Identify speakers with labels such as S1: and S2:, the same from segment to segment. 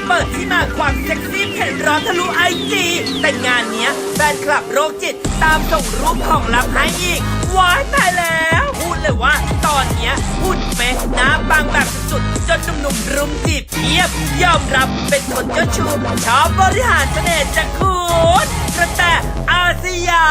S1: เปิดที่มาความเซ็กซี่เผ็ดร้อนทะลุไอจีแต่งานเนี้ยแฟนคลับโรคจิตตามส่งรูปของลับให้อีกว้ายตายแล้วพูดเลยว่าตอนเนี้ยหุ่นเป๊ะหน้าปังแบบสุดๆจนหนุ่มๆรุมจีบเพียบยอมรับเป็นคนเจ้าชู้ชอบบริหารเสน่ห์จากคุณกระแตอาสยาม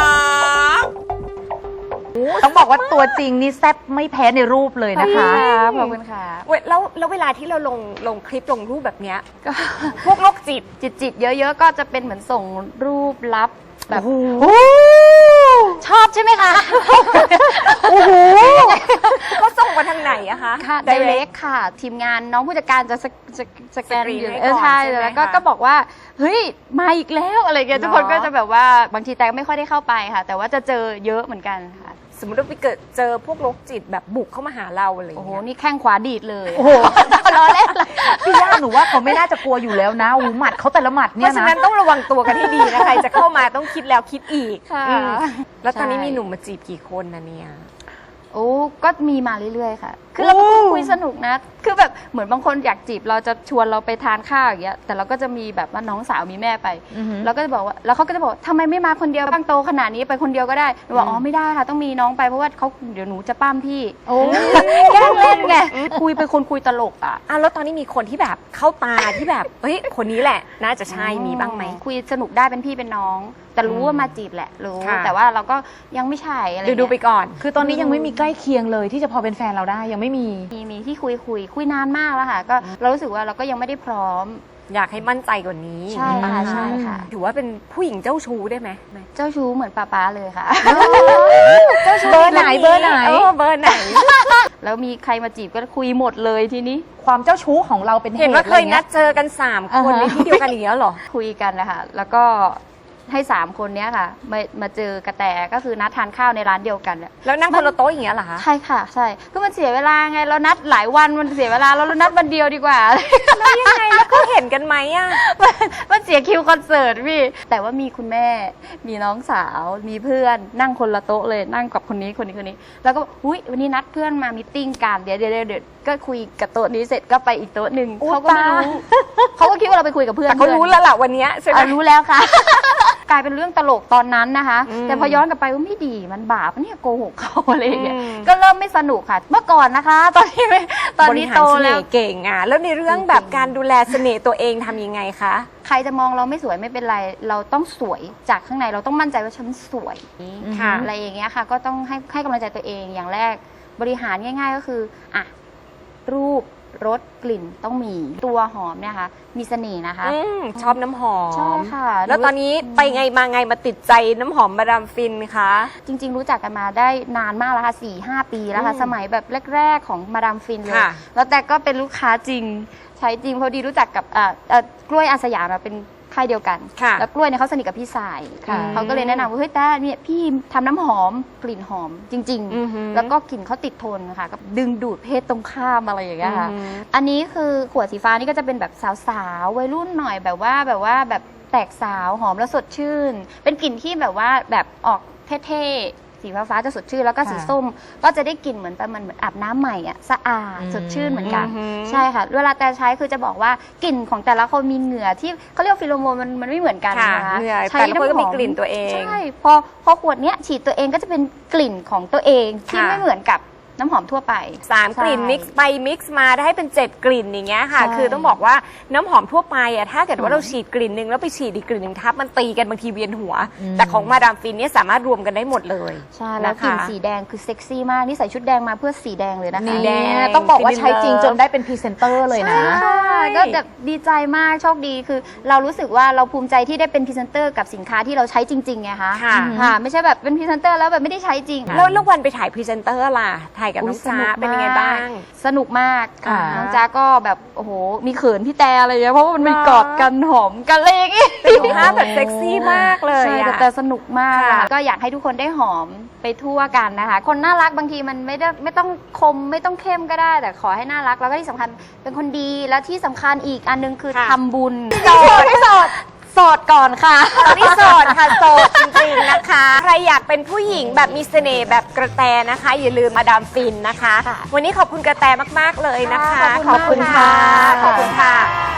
S2: ต้องบอกว่าตัวจริงนี่แซ่บไม่แพ้ในรูปเลยนะคะขอบคุณค่ะ
S3: แล้วเวลาที่เราลงคลิปลงรูปแบบเนี้ยก็พวกโรคจิต
S2: เยอะๆก็จะเป็นเหมือนส่งรูปลับแบบชอบใช่ไหมคะโอ้โห
S3: เขาส่งมาทางไหนอะคะ
S2: ค่ะไดเรกค่ะ ทีมงานน้องผู้จัดการจะสแกนอยู่
S3: ให้ก่อน
S2: ใช่
S3: ใช่ไหม
S2: แล้ว
S3: คะ
S2: ก็บอกว่าเฮ้ยมาอีกแล้วอะไรเงี้ย
S3: เนอะ
S2: ทุกคนก็จะแบบว่าบางทีแต่ไม่ค่อยได้เข้าไปค่ะ แต่ว่าจะเจอเยอะเหมือนกันค่ะ
S3: สมมติว่าไปเกิดเจอพวกโรคจิตแบบบุกเข้ามาหาเราอะไรอย่าง
S2: โอ้โห
S3: เงี้ย
S2: นี่แข้งขวาดีดเลย
S4: โอ้โหล้อเล่นพี่ย่าหนูว่าเขาไม่น่าจะกลัวอยู่แล้วนะหูหมัดเขาแต่ละหมัด
S3: เพ
S4: เนี่ย
S3: ราะฉะ
S4: นะ
S3: นั้นต้องระวังตัวกันให้ดีนะใครจะเข้ามาต้องคิดแล้วคิดอีก
S2: ค่ะ
S3: อืมแล้วตอนนี้
S2: ใช่
S3: มีหนุ่มมาจีบกี่คนนะเนี่ย
S2: โอ้ก็มีมาเรื่อยๆค่ะ คือเราเป็นคนคุยสนุกนะ คือแบบเหมือนบางคนอยากจีบเราจะชวนเราไปทานข้าวอย่างเงี้ย แต่เราก็จะมีแบบว่าน้องสาวมีแม่ไป
S4: อือหือ
S2: เราก็จะบอกว่า แล้วเขาก็จะบอกทำไมไม่มาคนเดียวบ้างโตขนาดนี้ไปคนเดียวก็ได้หนูบอกอ๋อไม่ได้ค่ะต้องมีน้องไปเพราะว่าเขาเดี๋ยวหนูจะปั้มพี่
S4: โอ้
S2: แกล้งเล่นไง คุยเป็นคนคุยตลกอ่ะ
S3: แล้วตอนนี้มีคนที่แบบเข้าตาที่แบบเฮ้ยคนนี้แหละน่าจะใช่มีบ้างไหม
S2: คุยสนุกได้เป็นพี่เป็นน้อง แต่รู้ว่ามาจีบแหละรู้
S3: ค่ะ
S2: แต่ว่าเราก็ยังไม่ใช่อะไร
S3: ดูไปก่อน
S4: คือตอนนี้ยังไม่มีใกล้เคียงเลยที่จะพอเป็นแฟนเราได้ยังไม่มี
S2: มีที่คุยนานมากแล้วค่ะ ก็เรารู้สึกว่าเราก็ยังไม่ได้พร้อม
S3: อยากให้มั่นใจกว่านี้
S2: ใช่ค่ะ
S4: อืม
S2: ใช่ค่ะ
S3: ถือว่าเป็นผู้หญิงเจ้าชู้ได้ไหม
S2: เจ้าชู้เหมือนป้าเลยค่ะ
S4: เบอร์ไหนเบอร์ไหน
S3: เบอร์ไหน
S2: แล้วมีใครมาจีบก็คุยหมดเลยทีนี้
S4: ความเจ้าชู้ของเราเป็นเห
S3: เห็น
S4: ตุ
S3: ว่า
S4: อะ
S3: เค
S4: ไร
S3: ยนั
S4: เงี้
S3: ด
S4: ย
S3: เจอกัน3 คนในที่เดียวกันอย่างเงี้ยเหรอ
S2: คุยกันนะคะแล้วก็ให้3 คนเนี้ยค่ะมาเจอกระแตก็คือนัดทานข้าวในร้านเดียวกันอะ
S3: แล้วนั่งคนละโต๊ะอย่างเงี้ยเหรอคะ
S2: ใช่ค่ะใช่ก็มันเสียเวลาไงเรานัดหลายวันมันเสียเวลาเรานัดวันเดียวดีกว่า
S3: แล้วยังไงแล้วเขาเห็นกันไหมอะ
S2: มันเสียคิวคอนเสิร์ตพี่แต่ว่ามีคุณแม่มีน้องสาวมีเพื่อนนั่งคนละโต๊ะเลยนั่งกับคนนี้แล้วก็อุ้ยวันนี้นัดเพื่อนมามีตติ้งกันเดี๋ยวก็คุยกับโต๊ะนี้เสร็จก็ไปอีกโต๊ะหนึ่งเขาก็ไม่รู้เขาก็คิดว่าเราไปคุยกับเพื่อน
S3: แต่เขารู้แล้วล่ะวันเนี้ยใช่ไหม
S2: รู้แล้วค่ะ กลายเป็นเรื่องตลกตอนนั้นนะคะ
S3: อืม
S2: แต่พอย้อนกลับไปว่าไม่ดีมันบาปเนี่ยโกหกเขาอะไรอย่างเงี้ย
S3: อืม
S2: ก็เริ่มไม่สนุกค่ะ เมื่อก่อนนะคะ ตอนนี้ไม่ตอนนี้โต
S3: บริหารเส
S2: แล้
S3: น่
S2: ว
S3: ห์เก่งอ่ะแล้วในเรื่องแบบการดูแลเสน่ห์ตัวเองทำยังไงคะ
S2: ใครจะมองเราไม่สวยไม่เป็นไร เราต้องสวยจากข้างในเราต้องมั่นใจว่าฉันสวย
S3: ค่ะ
S2: อะไรอย่างเงี้ยค่ะ ก็ต้องให้กำลังใจตัวเองอย่างแรกบริหารง่าย ๆ ก็คืออ่ะรูปรสกลิ่นต้องมีตัวหอมเนี่ยค่ะมีเสน่ห์นะคะ
S3: ชอบน้ำหอม
S2: ใช่ค่ะ
S3: แล้วตอนนี้ไปไงมาไงมาติดใจน้ำหอมมาดามฟินคะ
S2: จริงๆรู้จักกันมาได้นานมากแล้วค่ะ 4-5 ปีแล้วค่ะ
S3: อืม
S2: สมัยแบบแรกๆของมาดามฟินเลย
S3: ค่ะ
S2: แล้วแต่ก็เป็นลูกค้าจริง ใช้จริงพอดีรู้จักกับกล้วยอาสยามเราเป็นค่ายเดียวกัน
S3: ค่ะ
S2: แล้วกล้วยเนี่ยเขาสนิทกับพี่สาย
S4: ค่ะ
S2: เขาก็เลยแนะนำว่าเฮ้ยแต่เนี่ยพี่ทำน้ำหอมกลิ่นหอมจริง
S3: อือหือ
S2: แล้วก็กลิ่นเขาติดทนค่ะก็ดึงดูดเพศตรงข้ามอะไรอย่างเงี้ยค่ะ
S3: อือหือ
S2: อันนี้คือขวดสีฟ้านี่ก็จะเป็นแบบสาวๆวัยรุ่นหน่อยแบบว่าแบบแตกสาวหอมแล้วสดชื่น เป็นกลิ่นที่แบบว่าแบบออกเท่ๆสีฟ้าๆจะสดชื่นแล้วก็สีส้มก็จะได้กลิ่นเหมือนประมาณเหมือนอาบน้ำใหม่อ่ะสะอาดสดชื่นเหมือนกัน
S3: อือหือ
S2: ใช่ค่ะเวลาแต่ใช้คือจะบอกว่ากลิ่นของแต่ละคนมีเหงื่อที่เขาเรียกว่าฟิโลโมนมันไม่เหมือนกัน
S3: ค่ะ
S2: นะคะ
S3: เหงื่อ
S2: ใช้
S3: แต่ละคนก็มี
S2: ำห
S3: กลิ่นตัวเอง
S2: ใช่พอขวดเนี้ยฉีดตัวเองก็จะเป็นกลิ่นของตัวเองที่
S3: ค่ะ
S2: ไม่เหมือนกับน้ำหอมทั่วไป
S3: 3 กลิ่น
S2: ใช่
S3: มิกซ์ไปมิกซ์มาได้เป็น 7 กลิ่นอย่างเงี้ยค่ะ
S2: ใช่
S3: คือต้องบอกว่าน้ำหอมทั่วไปอะถ้าเกิดว่า
S2: อืม
S3: เราฉีดกลิ่นหนึ่งแล้วไปฉีดอีกกลิ่นหนึ่งทับมันตีกันบางทีเวียนหัว
S4: อืม
S3: แต่ของมาดามฟินเนี่ยสามารถรวมกันได้หมดเลย
S2: ใช่แล้ว
S3: นะคะ
S2: กลิ่นสีแดงคือเซ็กซี่มากนี่ใส่ชุดแดงมาเพื่อสีแดงเลยนะคะ
S3: สีแดง
S4: ต้องบอกว่าใช้จริงจนได้เป็นพรีเซนเตอร์เลยนะ
S2: ใช่ก็แบบดีใจมากโชคดีคือ เรารู้สึกว่าเราภูมิใจที่ได้เป็นพรีเซนเตอร์กับสินค้าที่เราใช้จริงๆไงคะ
S3: ค่ะ
S2: ค่ะไม่ใช่แบบเป็นพรีเซนเตอร์แล้วแบบไม่ได้ใช้จริง
S3: แล้ววันไปถ่ายพรีเซนเตอร์ล่ะ ถ่ายกับน้อง
S2: ส
S3: จ้า
S2: นุก
S3: เป็นยังไงบ้าง
S2: สนุกมาก
S4: ค่ะ
S2: น้องจ้าก็แบบโอ้โหมีเขินพี่แต่อะไรอย่างเงี้ยเพราะว่ามันมีกอดกันหอมกันอะไรอย่างเงี้ย
S3: เป็นภาพแบบเซ็กซี่มากเลย
S2: ใช่
S3: อะ
S2: แต่สนุกมาก
S3: ค่ะ
S2: ก็อยากให้ทุกคนได้หอมไปทั่วกันนะคะ คนน่ารักบางทีมันไม่ต้องคมไม่ต้องเข้มก็ได้ แต่ขอให้น่ารักแล้วก็ที่สำคัญเป็นคนดีแล้วที่สำคัญอีกอันนึงคือทำบุญโสดก่อนค่ะ
S3: ตอนนี้โสดค่ะโสดจริงๆนะคะ ใครอยากเป็นผู้หญิงแบบมีเสน่ห์แบบกระแตนะคะ อย่าลืมมาดามฟินนะคะ
S2: ค่ะ
S3: วันนี้ขอบคุณกระแตมากๆเลยนะคะ
S2: ขอบคุณค่ะ
S3: ขอบคุณค่ะ